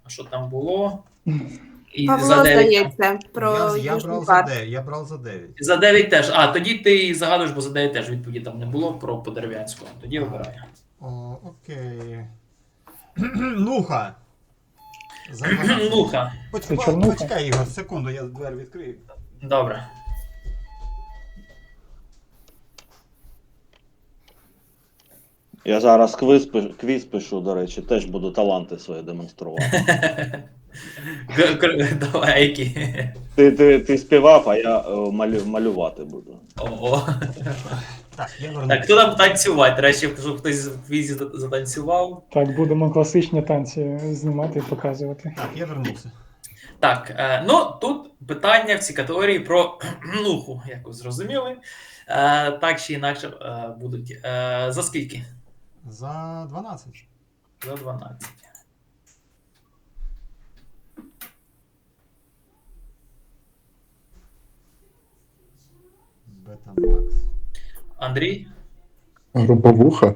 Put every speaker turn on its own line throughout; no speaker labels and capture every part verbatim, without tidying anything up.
що там було. І
Павло,
за дев'ять.
здається, про
Я, я,
Южний
брав за
парк.
дев'ять, я брав за дев'ять.
За дев'ять теж. А, тоді ти і загадуєш, бо за дев'ять теж відповіді там не було про Подерев'янську. Тоді обирай.
О, окей. Нуха. За дванадцять.
Нуха.
Поч-
Це Чорнуха?
Почекай, Ігор, секунду, я двері відкрию.
Добре.
Я зараз квіз, пиш- квіз пишу, до речі, теж буду таланти свої демонструвати.
Г- к- Давай, які.
Ти, ти, ти співав, а я е, малю, малювати буду.
Ого.
Так, я вернув.
Так, хто там танцювати? До речі, щоб хтось в квізі за- затанцював.
Так, будемо класичні танці знімати і показувати.
Так, я вернувся.
Так, е, ну тут питання в цій категорії про нуху, як ви зрозуміли. Е, так чи інакше е, будуть. Е, за скільки?
За дванадцять.
За дванадцять.
Бета-Макс.
Андрій?
Груповуха?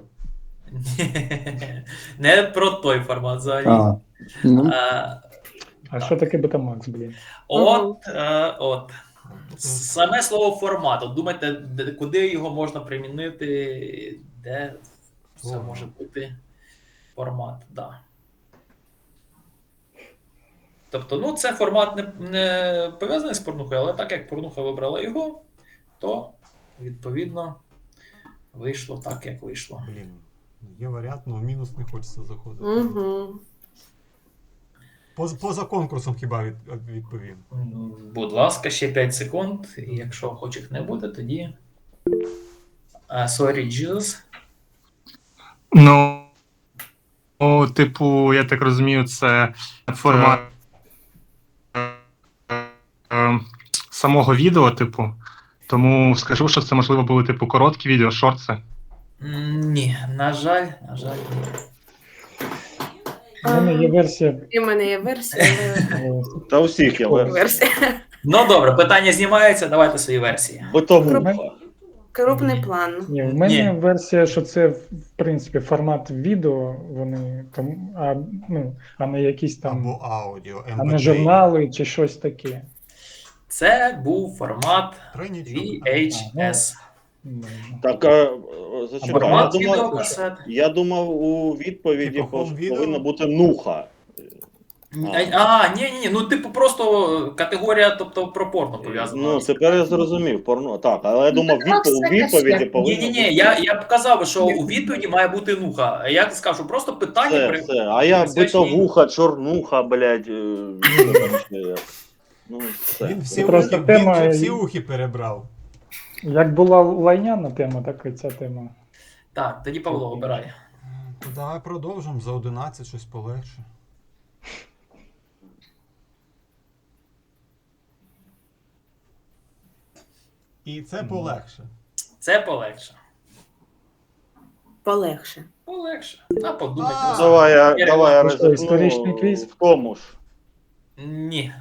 Не про той формат взагалі.
А, ну,
Е,
А що таке Betamax, блін?
От, е, от. Саме слово формат. От думайте, де- куди його можна примінити, де це
Формат.
може бути формат, да. Тобто, ну, це формат не, не пов'язаний з порнухою, але так як порнуха вибрала його, то відповідно вийшло так, як вийшло.
Блін, є варіант, але в мінус не хочеться заходити.
Угу.
Поза, поза конкурсом хіба від, відповім.
М, Будь ласка, ще п'ять секунд. І якщо охочих не буде, тоді. А, sorry, Jesus.
Ну, ну, типу, я так розумію, це формат е, самого відео, типу. Тому скажу, що це можливо були типу короткі відео, шорти.
М, Ні, на жаль, на жаль, ні.
У мене є версія.
І в мене є версія. але-
е,
Та у всіх є версія.
Версія.
Ну добре, питання знімається, давайте свої версії.
Битовуха.
Крупний
Ні.
план.
Ні, в мене
Ні.
версія, що це в принципі формат відео, вони там, а, ну, а не якісь там,
Або аудіо,
а не
ем пі три.
журнали чи щось таке.
Це був формат
Три нічого.
ві ейч ес.
Ну,
Так, е, зачекай, я
Формат
думав,
відеокасет.
я думав, у відповіді
Типу,
пов-
home video?
повинна бути нуха.
А, ні, ні, ні, ну типу просто категорія, тобто про порно пов'язана.
Ну, тепер я зрозумів, порно. Так, але я думав,
Ну,
відпо- у
це
відповіді
касет.
повинна
Ні, ні,
бути.
ні, я, я б казав, що у відповіді має бути нуха. А я сказав, що просто питання
Все,
при...
все. А я
присвячені-
битовуха, чорнуха, блядь. е, вибачте. Ну, все.
Він всі,
Просто
ухи,
тема-
він же всі ухи перебрав.
Як була лайняна тема, так і ця тема.
Так, тоді Павло, обирай.
То давай продовжимо за одинадцять щось полегше. І це полегше.
Це полегше.
Полегше.
Полегше. А подумай.
А,
просто.
Давай я,
Ігор,
давай я
Ну що,
ризикну
історичний квіз?
в тому ж.
Ні.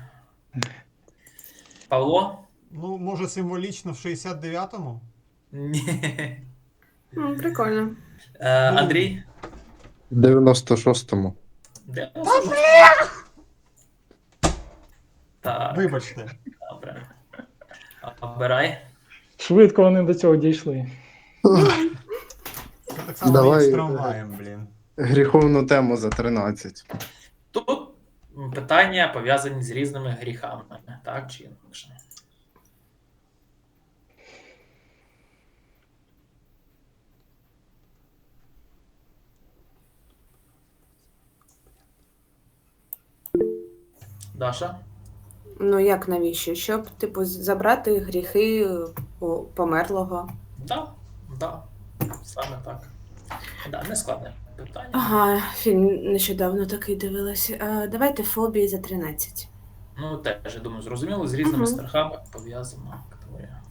Павло?
Ну, може, символічно в шістдесят дев'ятому?
Ні.
М, Прикольно.
Е, Андрій?
в дев'яносто шостому.
Де? Так,
Вибачте.
добре. Обирай.
Швидко вони до цього дійшли.
Це так само
Давай,
як з трамваєм, блін.
Гріховну тему за тринадцять.
Тут питання пов'язані з різними гріхами, так чи інакше. Даша?
Ну як навіщо? Щоб, типу, забрати гріхи у померлого.
Да, да, саме так. Да, не складне питання.
Ага, фільм нещодавно такий дивилася. А, давайте фобії за тринадцять.
Ну, теж, я думаю, зрозуміло, з різними
Мгм.
страхами пов'язана категорія.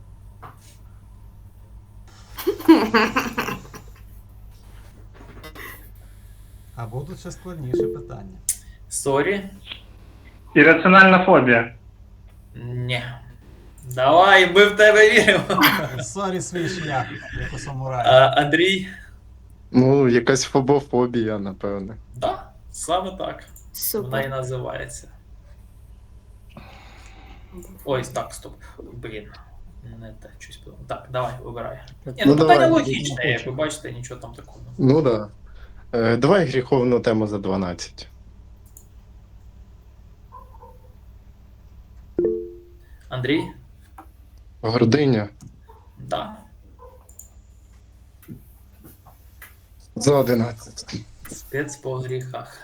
А будуть ще складніше питання.
Сорі?
Ірраціональна фобія.
Ні. Давай, ми в тебе віримо.
Сорі, свій шлях, як у
А,
самурая.
Андрій?
Ну, якась фобофобія, напевне.
Да, саме так. Вона і
Супер.
називається. Ой, так, стоп. Блін. Не те, щось подумав. Так, давай, вибирай. Ні, ну,
Ну,
питання
давай.
логічне, як ви бачите, нічого там такого.
Ну да. Е, давай гріховну тему за дванадцять.
Андрій?
Гординя
Так.
за одинадцять.
Спец по гріхах.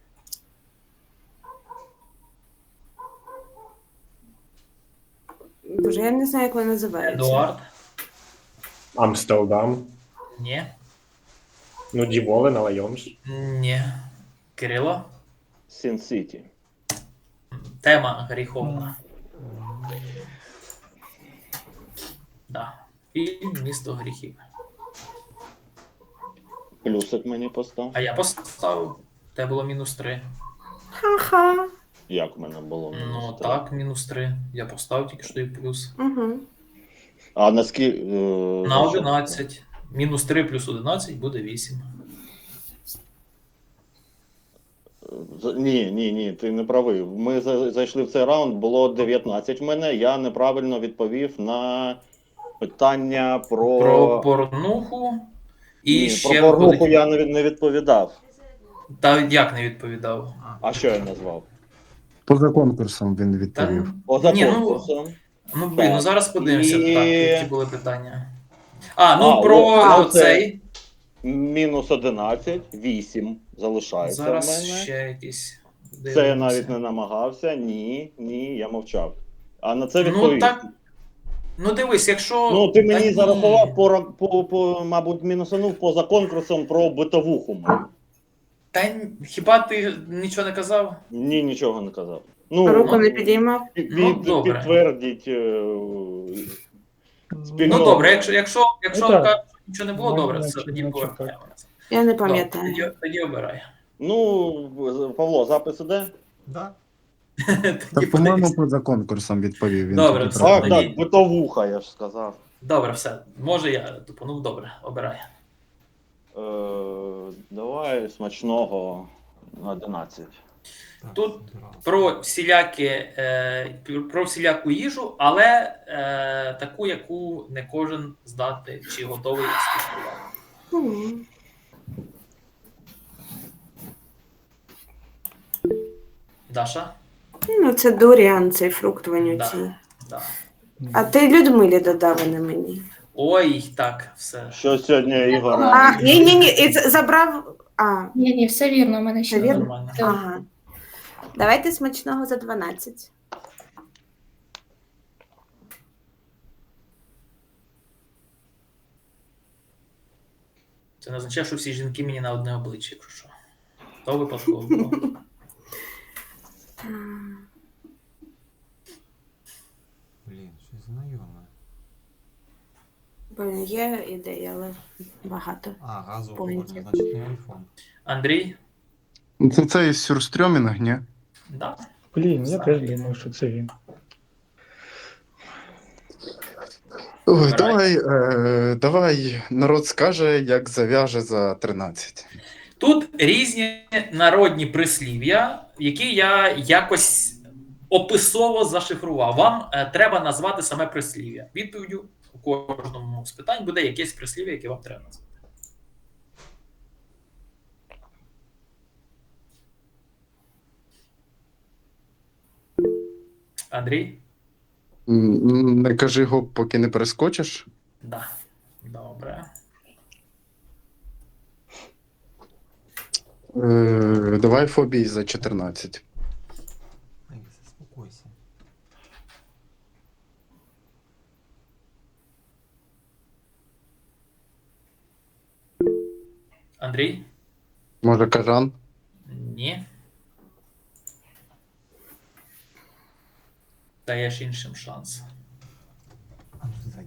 Боже, я не знаю, як вона називається.
Едуард?
Амстердам.
Ні.
Ну, Діволен, але Йомс.
Ні. Кирило?
Сін-Сіті.
Тема гріховна. Да. Фільм «Місто гріхів».
Плюсик мені постав.
А я поставив. Те було мінус три.
Ха-ха.
Як в мене було?
Ну так, мінус три. Я поставив тільки що і плюс.
Угу.
А наскільки. Е,
На
за що?
одинадцять. Мінус три плюс одинадцять буде вісім.
З- Ні, ні, ні, ти не правий. Ми за- зайшли в цей раунд, було дев'ятнадцять в мене. Я неправильно відповів на питання про.
Про порнуху. І
Ні,
ще
про порнуху
виходить-
я не, від- не відповідав.
Та як не відповідав?
А що я назвав?
Поза конкурсом він
Та,
відповів.
Поза
ні, ну,
конкурсом.
ну блін, ну зараз подивимося,
І-
так, які були питання. А, ну
А,
про
о, це-
цей.
Мінус одинадцять, вісім залишається в
Зараз
мене.
ще якісь.
Це я
дивимося.
навіть не намагався. Ні, ні, я мовчав. А на це
Ну
відповів.
так. Ну дивись, якщо.
Ну, ти мені
Та ні.
зарахував по, ра- по, по, мабуть, мінусанув поза конкурсом про битовуху. мою.
Та н- хіба ти нічого не казав?
Ні, нічого не казав. Ну,
Руку не
ну,
підіймав.
під,
Ну, добре.
підтвердіть. е, спільно.
Ну добре, якщо, якщо, якщо
Ну, так.
кажуть, що нічого не було,
Ну,
добре,
значить,
все, тоді
значить,
повертаємо.
Я не
Добре,
пам'ятаю.
Тоді, тоді обирай.
Ну, Павло, запис іде?
Да?
Тоді
Та, по-моєму,
подивись.
поза конкурсом відповів. Він
Добре,
тоді
все.
правильно.
Так,
тоді-
так, битовуха, я ж сказав.
Добре, все. Може я тупанув, добре, обирай.
Е, давай смачного на одинадцять.
Так,
Тут
одразу.
Про всілякі, е, про всіляку їжу, але е, таку, яку не кожен здати чи готовий скуштувати.
Мгм.
Даша?
Ну, це дуріан, цей фрукт вонючий.
Да. Да.
А ти Людмилі додав, а не мені.
Ой, так, все.
Що сьогодні Ігор?
А, ні, ні, ні, і з- забрав. А,
Ні, ні, все вірно, у мене ще
Все вірно?
Нормально.
ага. Давайте смачного за дванадцять.
Це не означає, що всі жінки мені на одне обличчя, якщо що. То випадково було.
Блін, щось знайоме.
Блін, є ідея, але багато.
А, газова
Поняття.
форма, значить не айфон.
Андрій?
Ну, Це цей сюрстрьомінг, ні?
Да.
Блін, я теж думав, що це він.
Ой,
Вибирай.
давай, е, давай народ скаже, як зав'яже за тринадцять.
Тут різні народні прислів'я, які я якось описово зашифрував. Вам е, треба назвати саме прислів'я. Відповіддю у кожному з питань буде якесь прислів'я, яке вам треба назвати. Андрій?
М, Не кажи гоп, поки не перескочиш.
Да. Добре.
Е, давай фобій за чотирнадцять.
Ай, заспокойся.
Андрій?
Може, кажан?
Ні. Даєш іншим шанс.
А, ну, зай.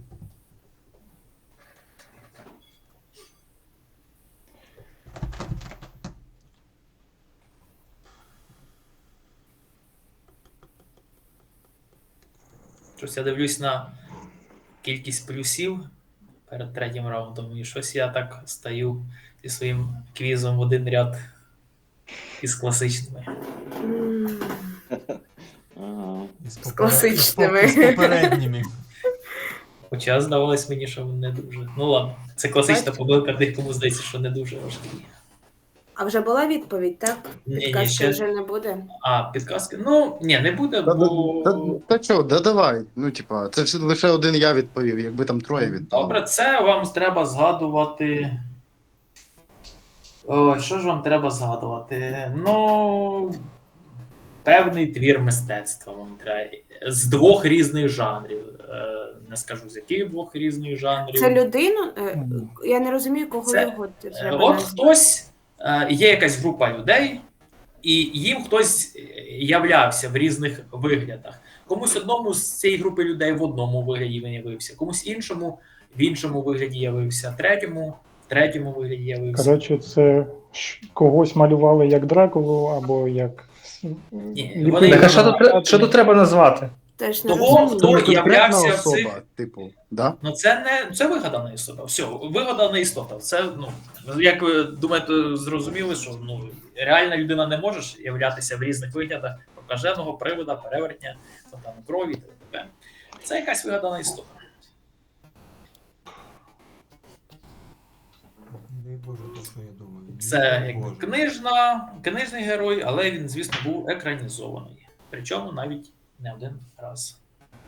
Щось я дивлюсь на кількість плюсів перед третім раундом, і щось я так стаю зі своїм квізом в один ряд із класичними.
М,
Ага.
Із
З класичними.
із поп- з попередніми.
Хоча здавалось мені, що не дуже. Ну ладно, це класична
Бачите?
помилка, декому здається, що не дуже важкі.
А вже була відповідь, так?
Ні, ні,
Підказки
ще-
вже не буде.
А, підказки? Ну, ні, не буде,
Та,
бо.
та, та чо, да давай. Ну, типа, це ж лише один я відповів, якби там троє відповів.
Добре, це вам треба згадувати. Ой, що ж вам треба згадувати? Ну. Певний твір мистецтва вам треба. З двох різних жанрів. Е, Не скажу, з яких двох різних жанрів.
Це людину? Е,
М.
Я не розумію, кого
Це-
його
Е,
треба
От
назвати.
хтось, е, є якась група людей, і їм хтось являвся в різних виглядах. Комусь одному з цієї групи людей в одному вигляді він явився, комусь іншому в іншому вигляді явився, третьому в третьому вигляді явився.
Коротше, це ш- когось малювали як Дракулу або як.
Ні,
ліпили
вони-
Так, а що
на
тут, тре- що тут треба назвати?
Теж не
Того,
розумію.
хто
Ну, конкретна
являвся в
особа,
цих.
типу, да?
Ну, це не це вигадана істота. Все, вигадана істота. Це, ну, як ви думаєте, зрозуміли, що ну, реальна людина не може являтися в різних виглядах прокаженого, привода, перевертня, фонтану крові і т.д. Це якась вигадана істота.
Дай Боже, то, що я думаю.
Це
Дай
якби
Боже.
книжна, книжний герой, але він, звісно, був екранізований. Причому навіть не один раз.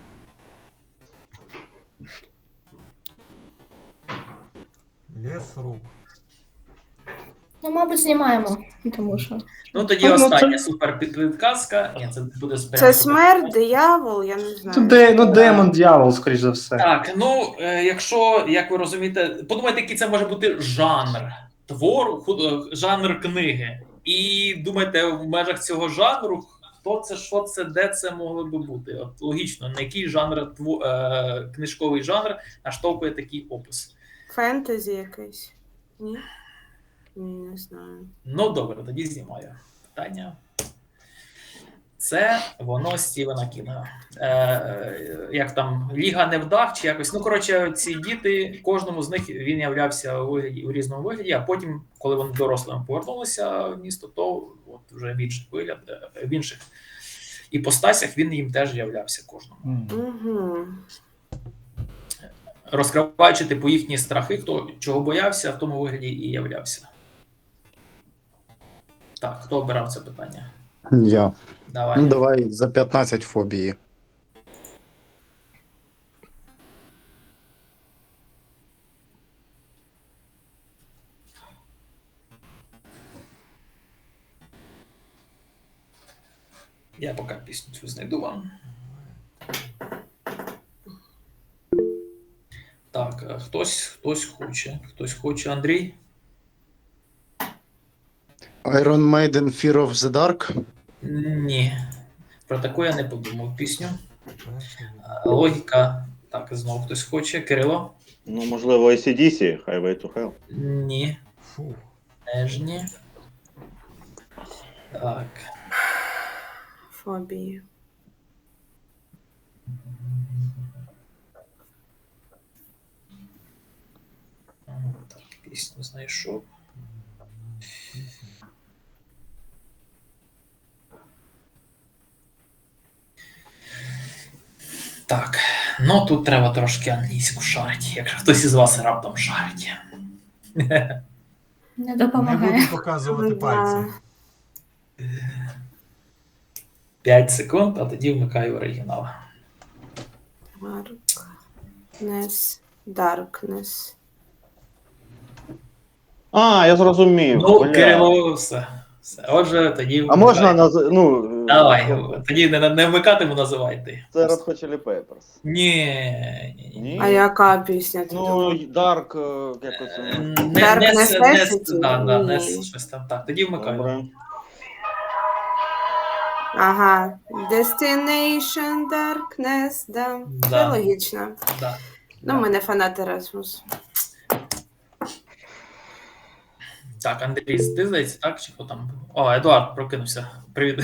Лес рук.
Ну, мабуть, знімаємо, тому що.
Ну тоді
Ну, ну,
остання
це-
супер підказка. Ні, це буде
Це смерть, диявол, я не знаю.
Тут де, ну, демон, дьявол, скоріш за все.
Так, ну е, якщо, як ви розумієте, подумайте, який це може бути жанр твору, ху- е, жанр книги. І думайте, в межах цього жанру, хто це, що це, де це могло би бути. От логічно, на який жанр тво- е, книжковий жанр наштовхує такий опис.
Фентезі якесь. Ні? Ні, не знаю.
Ну добре, тоді знімаю питання. Це воно Стівена Кінга. Е, е, як там Ліга невдах чи якось. Ну, коротше, ці діти, кожному з них він являвся у, вигляді, у різному вигляді, а потім, коли вони дорослими повернулися в місто, то от вже в інших вигляд, е, в інших іпостасях він їм теж являвся кожному.
М.
Угу.
Розкриваючи типу їхні страхи, хто чого боявся, в тому вигляді і являвся. Так, хто обирав це питання?
Я.
Давай.
Ну, давай за п'ятнадцять фобії.
Я поки пісню цю знайду вам. Так, е, хтось, хтось хоче. Хтось хоче. Андрій?
Iron Maiden Fear of the Dark.
Ні. Про таку я не подумав пісню.
Перший.
Е, Логіка. Так, знову хтось хоче. Кирило?
Ну, можливо, ей сі ді сі, Highway to Hell.
Ні.
Фух.
Теж ні. Так.
Фобії.
Так, пісню знайшов. Так, ну тут треба трошки англійську шарить, якщо хтось із вас раптом шарить.
Не
Не
допомагає.
буду показувати
Да.
пальцем.
п'ять секунд, а тоді вмикаю оригінал.
Darkness. Darkness.
А, я зрозумів.
Ну,
Бля.
Кирило, все. все. Отже, тоді.
А можна
вмикай.
наз... ну,
Давай,
е,
тоді не, не вмикатиму, називай ти.
Це Red Hot Chili Peppers.
Ні, ні, ні.
Ні?
А яка пісня? ти
Ну,
думав?
Dark, е, якось.
Е,
е,
Не,
Dark
не, не,
Necessity?
да, да, не
Ні.
щось там. Так, тоді вмикаю.
Добре.
Ага. Destination Darkness, да. Це
Да.
логічно.
Да.
Ну, ми не фанати Erasmus.
Так, Андрій, ти здається, так? Чи хто там? О, Едуард прокинувся. Привіт.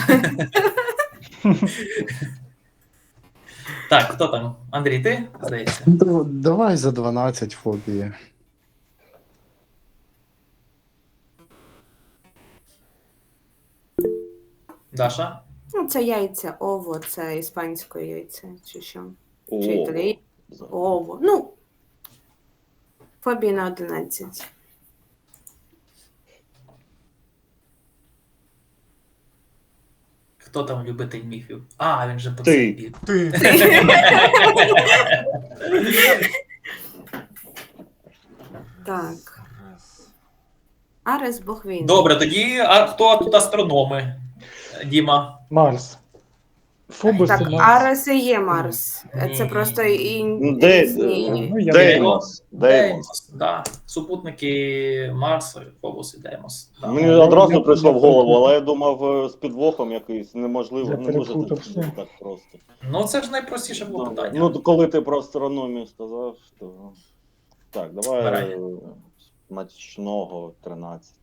Так, хто там? Андрій, ти? Здається.
Ну, давай за дванадцять фобії.
Даша?
Ну, це яйця, ово, це іспанське яйце, чи що?
О,
Чи італійське? Ово. Ну, фобія на одинадцять.
Хто там любитель міфів? А, він же по
Ти.
цей бік.
Ти.
Так. Арес Бог війни.
Добре, тоді а хто тут астрономи? Діма.
Марс. Фобос
Так,
і Марс.
Арес і є Марс.
Ні.
Це просто і
Ну, де-
різні.
Ну, я
Деймос. Деймос.
Деймос, да. Супутники Марса, Фобос і Деймос. Да.
Мені
я-
одразу
я-
прийшло в
я
голову,
перепутав.
але я думав е, з підвохом якийсь неможливо.
Я
Не може
перепутав
це
все.
бути так просто.
Ну, це ж найпростіше було питання.
Ну, то коли ти про астрономію сказав, то. Так, давай
Вибирай.
е, смачного тринадцять.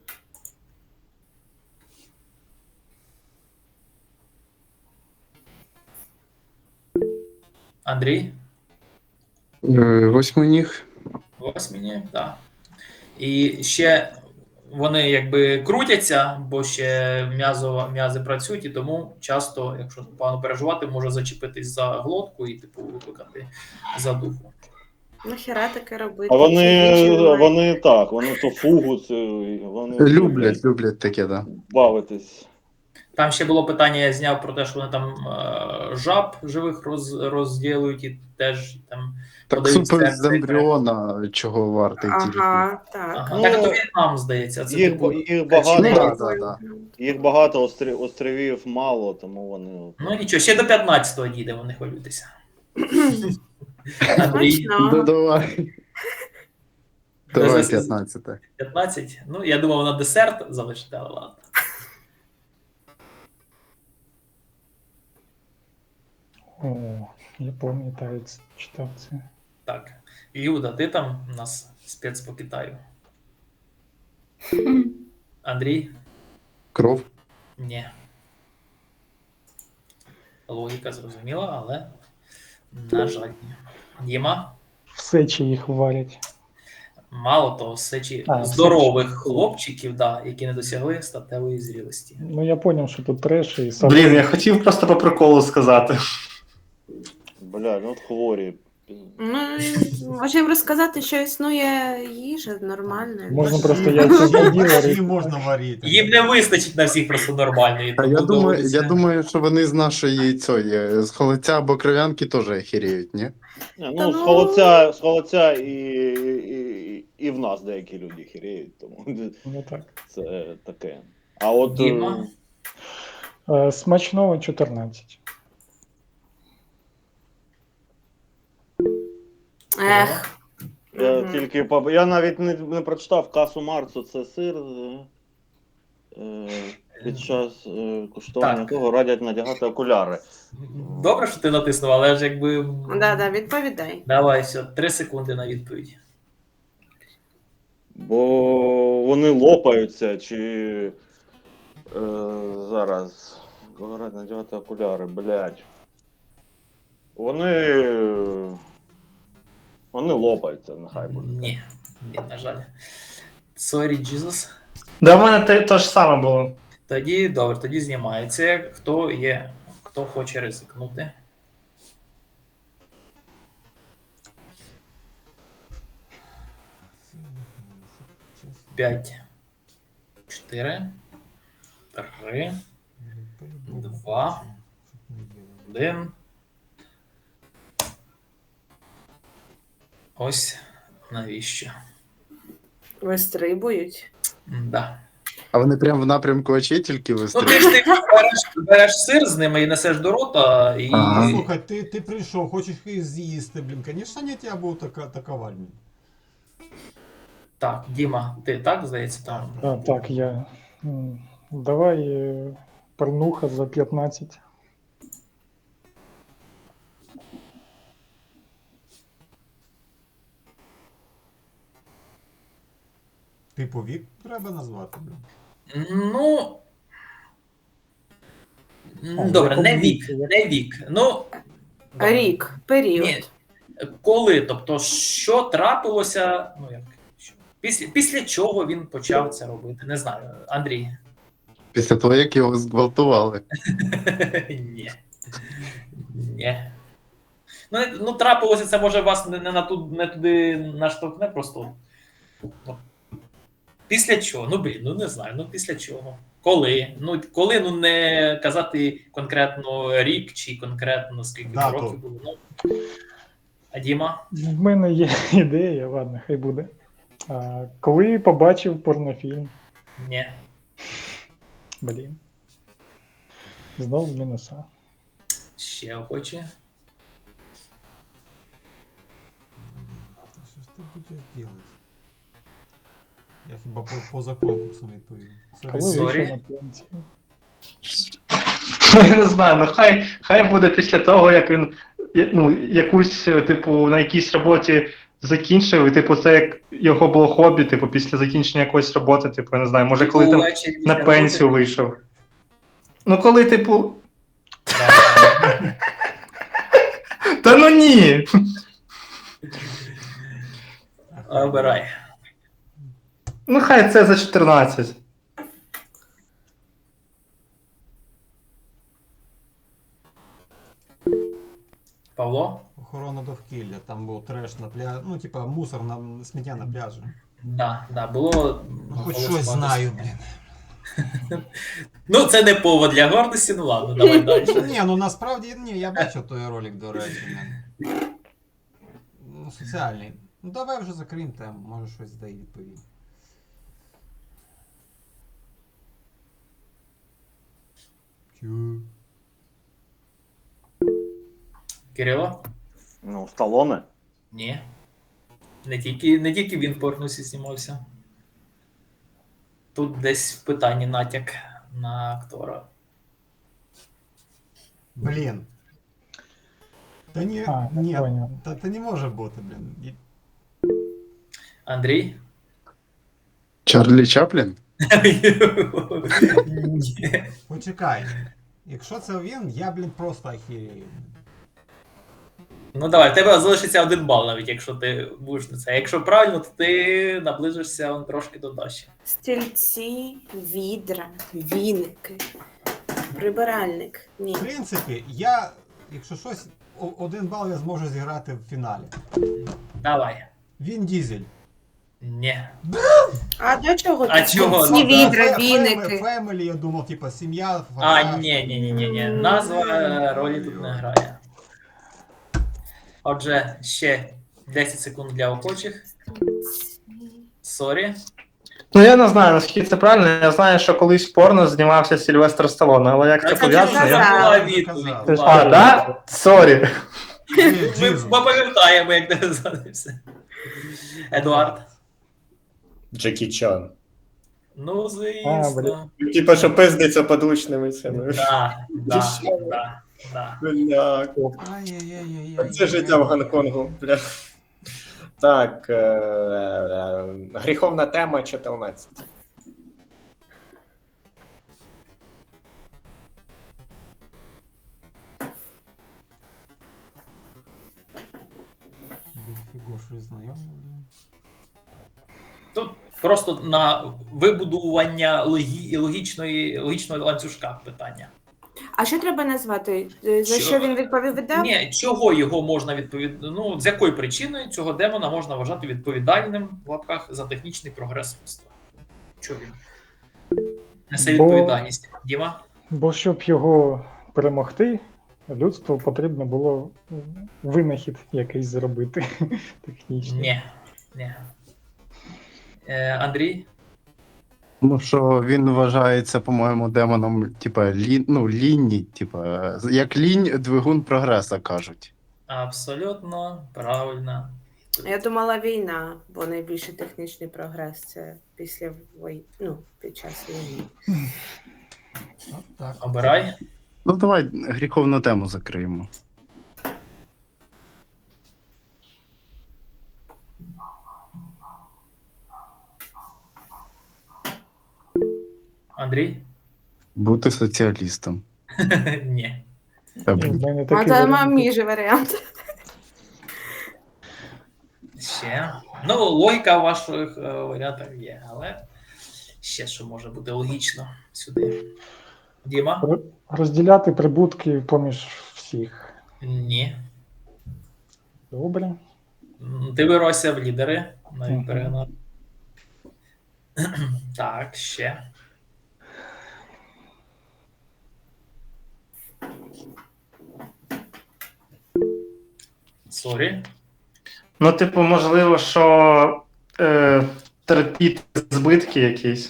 Андрій?
Е, Восьминіг.
Восьміні, так. І ще вони якби крутяться, бо ще м'язо, м'язи працюють, і тому часто, якщо погано переживати, може зачепитись за глотку і типу викликати задуху.
Нахіра таке робити?
А
Чи
вони,
нічим немає?
вони так, вони то фугус, е, вони
Люблять, люблять таке, да.
бавитись.
Там ще було питання, я зняв про те, що вони там е, жаб живих роз, розділують і теж там
Так
подають
супер
серце.
з ембріона чого вартий тільки.
Ага, так.
Ага.
Ну,
Так, то В'єтнам, здається. Це
Їх,
типу,
їх багато,
Ну,
Не
да,
прикольно.
да,
їх багато острів, островів мало, тому вони.
ну нічого, ще до п'ятнадцятого дійдемо, не хвилюйтеся. Андрій,
Ну,
Смачно.
давай. Давай
Зараз-
п'ятнадцяте.
п'ятнадцять. Ну, я думав, на десерт залишити, але ладно.
О, я пам'ятаю, це- читав це.
Так. Люда, ти там у нас спец по Китаю. Андрій?
Кров.
Ні. Логіка зрозуміла, але на жаль. ні. Діма?
В сечі їх варять.
Мало того, сечі
А,
здорових
сечі.
хлопчиків, да, які не досягли статевої зрілості.
Ну, я зрозумів, що тут треш і сам.
Блін, я хотів просто по приколу сказати.
Бля, ну от хворі.
Ну, може їм розказати, що існує їжа нормальна.
Можна
Ну,
просто яйця поділити.
Її можна варити.
Їм не вистачить на всіх просто нормальної.
А я
тому
думаю,
доводиться-
я думаю, що вони з нашої цієї, з холодця або кров'янки теж охеріють, ні?
Не,
Та
ну, з
ну-
холодця, з холодця і, і, і в нас деякі люди хіріють, тому
Ну так.
це таке. А от.
Діма?
е,
Е, Смачного чотирнадцять.
Ех.
Я
Мгм.
тільки по- я навіть не, не прочитав касу Марсу, це сир. е, е, Під час е, куштування
Так.
того радять надягати окуляри.
Добре, що ти натиснув, але ж якби.
Да, да, відповідай.
Давай, все, три секунди на відповідь.
Бо вони лопаються, чи е, зараз. Кого радять надягати окуляри, блядь. Вони. Вони лопаються, нехай буде.
Ні, ні, на жаль. Sorry, Jesus.
Да, в мене те, те ж саме було.
Тоді добре, тоді знімається. Хто є, хто хоче ризикнути. П'ять, чотири, три, два, один. Ось навіщо.
Вистрибують.
Да.
А вони прямо в напрямку очей тільки
Ну, ти
вистрілюють.
ж ти береш, береш сир з ними і несеш до рота, і
Ага.
Слухай, ти, ти прийшов, хочеш їх з'їсти, блін. Звісно, не тебе був така, атакувати, блін.
так, Діма, ти так, здається, там.
А, так, я. м, Давай е, порнуха за п'ятнадцять.
Типу вік треба назвати, блін.
Ну. м,
А,
Добре,
в
не
якому
вік,
віці? Як-
не вік. Ну, добре.
Рік, період.
Ні. Коли? Тобто, що трапилося? Ну, як? що? Після, після чого він почав це робити? Не знаю. Андрій.
Після того, як його зґвалтували.
Ні. Ні. Ну, не- ну, трапилося, це може вас не, не, на ту, не туди наштовхне, просто. Ну, після чого? Ну, блін, ну не знаю, ну після чого. Коли? Ну, коли, ну не казати конкретно рік чи конкретно скільки
Дату.
років було. Ну. А Діма?
В мене є ідея, ладно, хай буде. А, коли побачив порнофільм,
Ні.
блін. Знову мінуса.
Ще охоче.
Та що ж ти будеш робити? Я хіба по, поза конкурсом відповів. Sorry.
Коли
Sorry.
вийшов на пенсію.
Ну, я не знаю, ну хай, хай буде після того, як він я- ну, якусь, типу, на якійсь роботі закінчив, і типу, це як його було хобі, типу, після закінчення якоїсь роботи, типу, я не знаю, може, коли там
Увечері
на
після
пенсію
роботи.
вийшов. Ну, коли, типу.
Да.
Та ну ні!
Обирай.
Ну, хай це за чотирнадцять.
Павло?
Охорона довкілля, там був треш на пляжі. Ну, типа, мусор на сміття на пляжі.
Да, да, було.
Ну, хоч
голосувати.
щось знаю, блін.
Ну, це не повод для гордості, ну ладно, давай далі.
Ні, ну насправді ні, я бачив той ролик, до речі. блін. Ну, соціальний. Ну давай вже закриємо тему, може щось дай відповідь. Чу.
Кирило?
Ну, Сталоне.
Ні. Не тільки, не тільки він в порнусі знімався. Тут десь в питанні натяк на актора.
Блін. Та ні,
А,
ні,
я понял.
та, та не може бути, блін. І-
Андрій?
Чарлі Чаплін?
Ні.
Почекай. Якщо це він, я, блін, просто ахірею.
Ну давай, в тебе залишиться один бал, навіть якщо ти будеш на це. Якщо правильно, то ти наближишся он трошки до Даші.
Стільці, відра, віники, прибиральник. Ні.
В принципі, я, якщо щось, о- один бал я зможу зіграти в фіналі.
Давай.
Він Дізель.
Ні.
А до чого
А
тут
чого?
стільці,
Ну, да.
відра,
Фе-
віники?
Фемелі, я думав, типа, сім'я,
А,
фотограф.
ні, ні, ні, ні, ні. Назва е, ролі тут не грає. Отже, ще десять секунд для охочих. Сорі.
Ну, я не знаю, наскільки це правильно. Я знаю, що колись в порно знімався Сільвестр Сталоне, але як це
Так,
пов'язано,
це
я.
була
Казав.
відповідь.
Ти ж-
була.
А, да? Сорі.
Ді-
Ми
Дізель.
пам'ятаємо, як тебе звалився. Едуард.
Джекі Чан.
Ну,
А,
звісно.
Типа, що пиздиться подручними цими.
Да, да, да, да.
Бля,
Ай-яй-яй-яй-яй.
це життя в Гонконгу, бля. Так, е- е- гріховна тема чотирнадцять.
Фіго, щось знайоме, блін.
Тут просто на вибудування логі... логічної, логічного ланцюжка питання.
А що треба назвати? Е, За
Що?
що він відповідав?
Ні, чого його можна відповід... Ну, з якої причини цього демона можна вважати відповідальним в лапках за технічний прогрес людства? Чого він несе
Бо-
відповідальність? Діма?
Бо щоб його перемогти, людству потрібно було винахід якийсь зробити технічний.
Ні. Ні. Е, Андрій?
Ну що він вважається, по-моєму, демоном, типа, лі... ну, лінні, типа, як лінь двигун прогреса кажуть.
Абсолютно правильно.
Я думала війна, бо найбільший технічний прогрес це після вої... ну, під час війни.
От так.
Обирай.
Ну давай гріховну тему закриємо.
Андрій?
Бути соціалістом.
Ні.
Та,
І в
блін.
мене
А
такий
це
варіант.
мій же варіант.
Ще. Ну, логіка в ваших е, варіантах є, але ще що може бути логічно сюди. Діма?
Р- Розділяти прибутки поміж всіх.
Ні.
Добре.
М, Ти виросся в лідери. Навіть
Мгм.
перегнав. Так, ще. Сорі.
Ну, типу, можливо, що е, терпіти збитки якісь.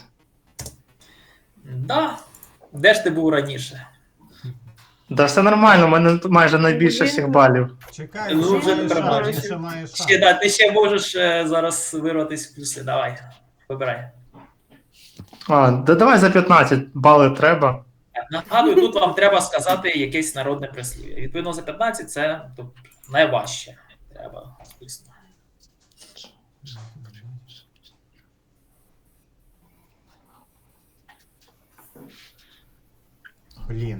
Да. Де ж ти був раніше?
Да, все нормально, у мене тут майже найбільше всіх балів.
Чекай,
Ну,
він
вже
ще має
треба.
шанс, він ще має шанс.
Ще, да, ти ще можеш е, зараз вирватися в плюси. Давай. Вибирай.
А, да давай за п'ятнадцять бали треба.
Нагадую, тут вам треба сказати якесь народне прислів'я. Відповідно, за п'ятнадцять це тобто, найважче. Треба, звісно.
Блін.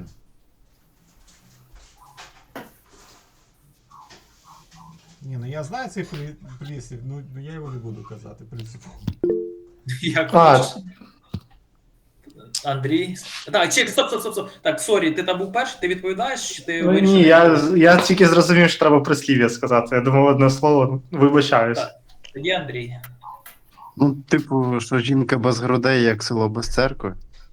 Ні, ну я знаю цей при- прислів, ну ну, я його не буду казати, принципу.
Як
А,
хочеш. Андрій. Так, чек, стоп, стоп, стоп, стоп. Так, сорі, ти там був перший, ти відповідаєш, чи ти
ну,
вирішив?
ні, я, я тільки зрозумів, що треба прислів'я сказати. Я думав одне слово, вибачаюсь.
Так. Тоді Андрій.
Ну, типу, що жінка без грудей, як село без церкви.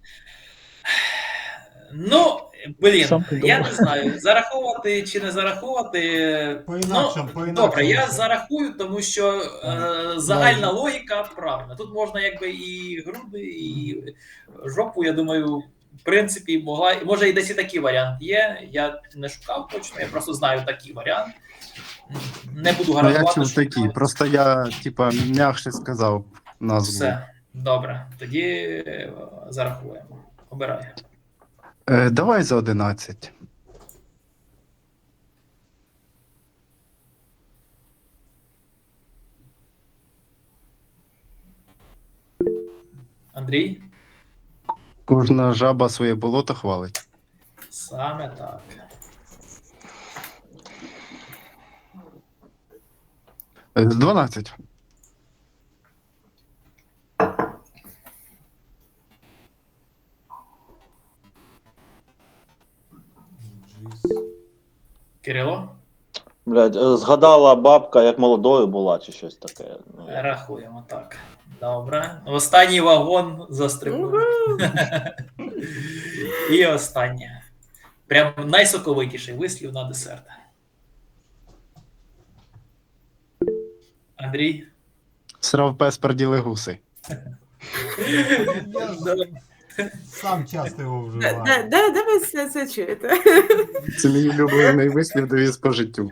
Ну, блін,
Сам ти
я
думав.
не знаю, зараховувати чи не зараховувати.
По-інакшому,
ну,
по-інакшому.
добре, я зарахую, тому що е, загальна логіка правильна. Тут можна якби і груди, і жопу, я думаю, в принципі, могла. Може, і десь і такий варіант є. Я не шукав точно, я просто знаю такий варіант. Не буду
Ну, я
гарантувати.
чув
що
такі.
правильно.
Просто я, типа, м'якше сказав назву.
Все, добре. Тоді е, зарахуємо. Обирай.
Е, давай за одинадцять.
Андрій?
Кожна жаба своє болото хвалить.
Саме так.
Е, дванадцять.
Джіз.
Кирило?
Блядь, е, згадала бабка, як молодою була, чи щось таке. Ну, я-
Рахуємо так. Добре. Останній вагон застрибнув. І останнє. Прям найсоковитіший вислів на десерт. Андрій?
Срав пес перділи гуси.
Я ж сам часто його
Де, де,
вживаю.
де, де ви це, це чуєте?
Це мій улюблений вислів довіз по життю.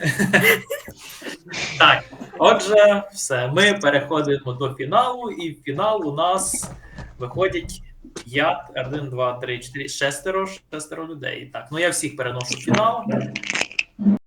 Так, отже, все. Ми переходимо до фіналу, і в фінал у нас виходять п'ять, один, два, три, чотири, шестеро, шестеро людей. Так, ну я всіх переношу в фінал.